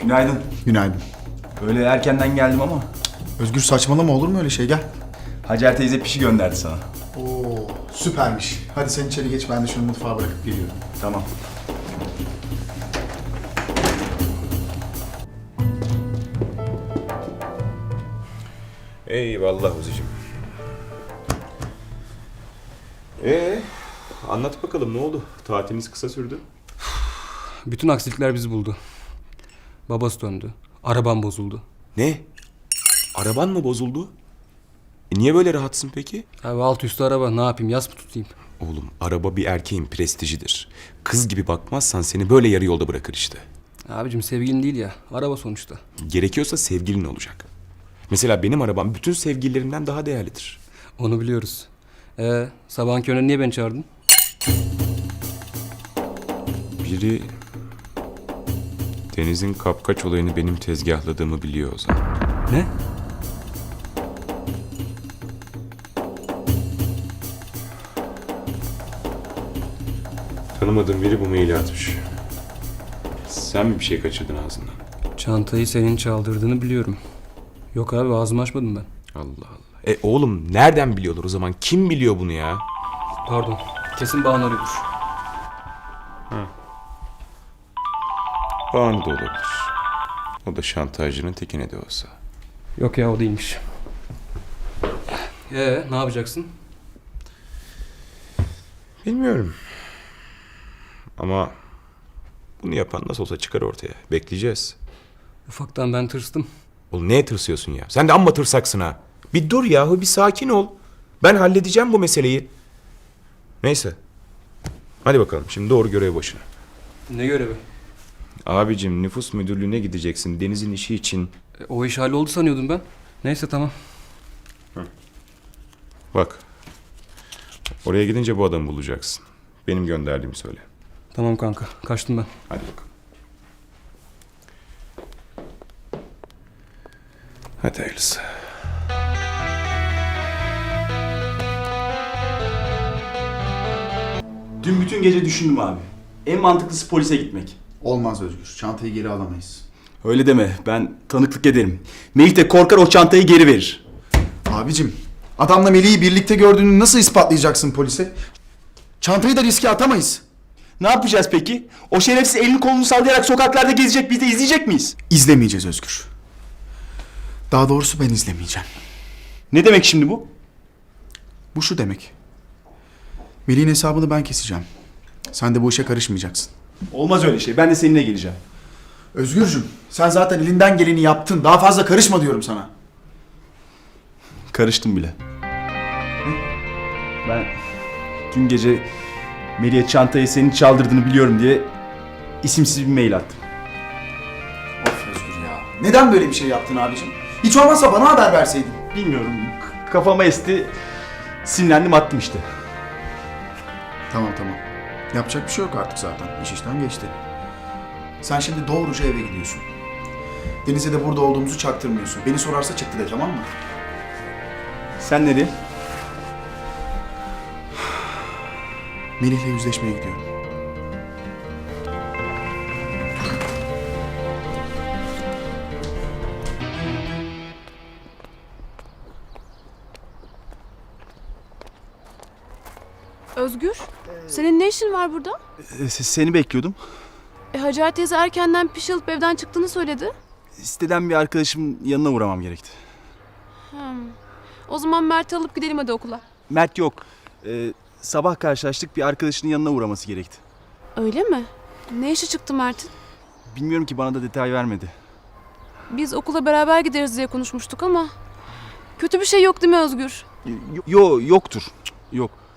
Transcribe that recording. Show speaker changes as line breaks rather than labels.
Günaydın.
Günaydın.
Öyle erkenden geldim ama
Özgür saçmalama, olur mu öyle şey, gel.
Hacer teyze pişi gönderdi sana.
Oo, süpermiş. Hadi sen içeri geç, ben de şunu mutfağa bırakıp geliyorum.
Tamam.
Eyvallah Uzi'cim. Anlat bakalım, ne oldu? Tatiliniz kısa sürdü.
Bütün aksilikler bizi buldu. Babası döndü. Arabam bozuldu.
Ne? Araban mı bozuldu? Niye böyle rahatsın peki?
Abi alt üstü araba, ne yapayım, yas mı tutayım?
Oğlum, araba bir erkeğin prestijidir. Kız gibi bakmazsan seni böyle yarı yolda bırakır işte.
Abicim sevgilin değil ya, araba sonuçta.
Gerekiyorsa sevgilin olacak. Mesela benim arabam bütün sevgililerimden daha değerlidir.
Onu biliyoruz. Sabahın körüne niye beni çağırdın?
Biri Deniz'in kapkaç olayını benim tezgahladığımı biliyor o zaman.
Ne?
Tanımadığım biri bu maili atmış. Sen mi bir şey kaçırdın ağzından?
Çantayı senin çaldırdığını biliyorum. Yok abi, ağzımı açmadım ben.
Allah Allah. Oğlum, nereden biliyorlar o zaman? Kim biliyor bunu ya?
Pardon, kesin Banu arıyordur.
Banu da olabilir. O da şantajcının tekine de olsa.
Yok ya, o değilmiş. Ne yapacaksın?
Bilmiyorum. Ama bunu yapan nasıl olsa çıkar ortaya. Bekleyeceğiz.
Ufaktan ben tırstım.
Oğlum, neye tırsıyorsun ya? Sen de amma tırsaksın ha. Bir dur yahu, bir sakin ol. Ben halledeceğim bu meseleyi. Neyse. Hadi bakalım, şimdi doğru görev başına.
Ne görevi?
Abicim, nüfus müdürlüğüne gideceksin Deniz'in işi için.
O iş halloldu sanıyordum ben. Neyse, tamam.
Bak. Oraya gidince bu adamı bulacaksın. Benim gönderdiğimi söyle.
Tamam kanka, kaçtım ben.
Hadi bakalım. Hadi hayırlısı.
Dün bütün gece düşündüm abi. En mantıklısı polise gitmek.
Olmaz Özgür, çantayı geri alamayız.
Öyle deme, ben tanıklık ederim. Melih de korkar, o çantayı geri verir.
Abicim, adamla Melih'i birlikte gördüğünü nasıl ispatlayacaksın polise? Çantayı da riske atamayız.
Ne yapacağız peki? O şerefsiz elini kolunu sallayarak sokaklarda gezecek, biz de izleyecek miyiz?
İzlemeyeceğiz Özgür. Daha doğrusu ben izlemeyeceğim.
Ne demek şimdi bu?
Bu şu demek. Melih'in hesabını ben keseceğim. Sen de bu işe karışmayacaksın.
Olmaz öyle şey, ben de seninle geleceğim.
Özgürcüm, sen zaten elinden geleni yaptın. Daha fazla karışma diyorum sana.
Karıştım bile. Ben dün gece Melih'e çantayı senin çaldırdığını biliyorum diye isimsiz bir mail attım.
Of Özgür ya. Neden böyle bir şey yaptın abicim? Hiç olmazsa bana haber verseydin.
Bilmiyorum, kafama esti, sinirlendim, attım işte.
Tamam. Yapacak bir şey yok artık zaten. İş işten geçti. Sen şimdi doğruca eve gidiyorsun. Deniz'e de burada olduğumuzu çaktırmıyorsun. Beni sorarsa çıktı de, tamam mı?
Sen nereye?
Melih'le yüzleşmeye gidiyorum.
Özgür, senin ne işin var burada?
Seni bekliyordum.
Hacer teyze erkenden piş alıp evden çıktığını söyledi.
Siteden bir arkadaşımın yanına uğramam gerekti.
O zaman Mert'i alıp gidelim hadi okula.
Mert yok. Sabah karşılaştık, bir arkadaşının yanına uğraması gerekti.
Öyle mi? Ne işi çıktı Mert'in?
Bilmiyorum ki, bana da detay vermedi.
Biz okula beraber gideriz diye konuşmuştuk ama... Kötü bir şey yok değil mi Özgür?
Yoktur. Yok.